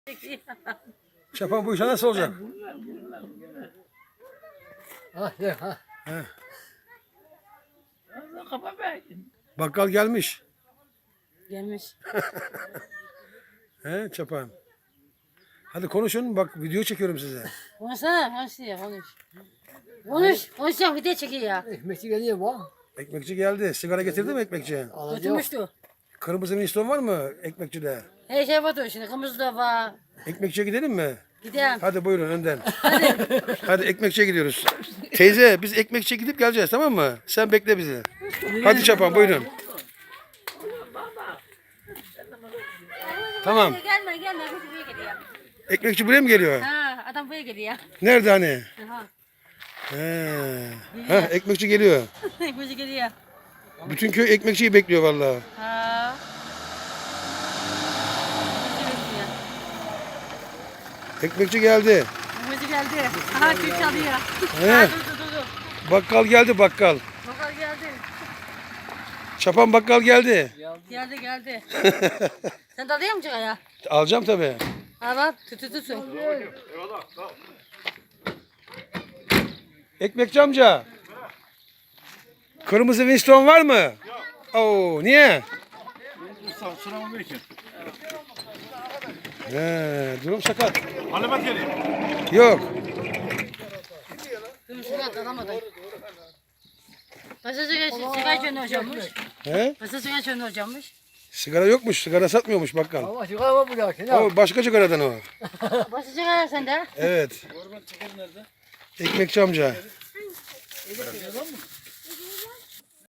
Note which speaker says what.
Speaker 1: Çapan bu işe nasıl olacak?
Speaker 2: Ha, ye, ha.
Speaker 1: He.
Speaker 3: Kafa verdin.
Speaker 1: Bakkal gelmiş.
Speaker 4: Gelmiş.
Speaker 1: He Çapan. Hadi konuşun bak video çekiyorum size.
Speaker 4: Konuşsana, konuş. Konuşacağım, video çekiyor ya.
Speaker 2: Ekmekçi geliyor bu.
Speaker 1: Ekmekçi geldi. Sigara getirdi mi ekmekçi?
Speaker 2: Alacak.
Speaker 4: Götürmüştü.
Speaker 1: Kırmızı Winston var mı ekmekçide?
Speaker 4: Her şey var şimdi, kırmızı da var.
Speaker 1: Ekmekçiye gidelim mi?
Speaker 4: Gidelim.
Speaker 1: Hadi buyurun önden. Hadi ekmekçiye gidiyoruz. Teyze biz ekmekçiye gidip geleceğiz tamam mı? Sen bekle bizi. Hadi Çapan buyurun. Tamam.
Speaker 4: Gelme, bu buraya geliyor.
Speaker 1: Ekmekçi buraya mı geliyor?
Speaker 4: Ha, adam buraya geliyor.
Speaker 1: Nerede hani?
Speaker 4: Aha,
Speaker 1: He. Ha, ekmekçi geliyor.
Speaker 4: bu geliyor.
Speaker 1: Bütün köy ekmekçiyi bekliyor vallahi.
Speaker 4: Ha.
Speaker 1: Ekmekçi geldi.
Speaker 4: Bu geldi. Aha, Türk çalıyor.
Speaker 1: He.
Speaker 4: Ha, dur.
Speaker 1: Bakkal geldi bakkal.
Speaker 4: Bakar geldi.
Speaker 1: Çapan bakkal geldi.
Speaker 4: Geldi. Sen de alıyor musun ya?
Speaker 1: Alacağım tabii.
Speaker 4: Ha bak, tutuyorsun.
Speaker 1: Ekmekçi amca. Kırmızı Winston var mı? Yok. Oo, niye?
Speaker 5: Sıramı için.
Speaker 1: Durum sakat.
Speaker 5: Alamet geleyim.
Speaker 1: Yok.
Speaker 4: Şuraya alamadım. Pasta sigara içiyorsun hocammış.
Speaker 1: He?
Speaker 4: Pasta sigara içiyorsun hocammış.
Speaker 1: Sigara yokmuş. Sigara satmıyormuş bakkal.
Speaker 2: Ama sigara var burada. Sen al.
Speaker 1: O başka sigaradan o.
Speaker 4: Pasta sigara sende.
Speaker 1: Evet. Ekmekçi amca.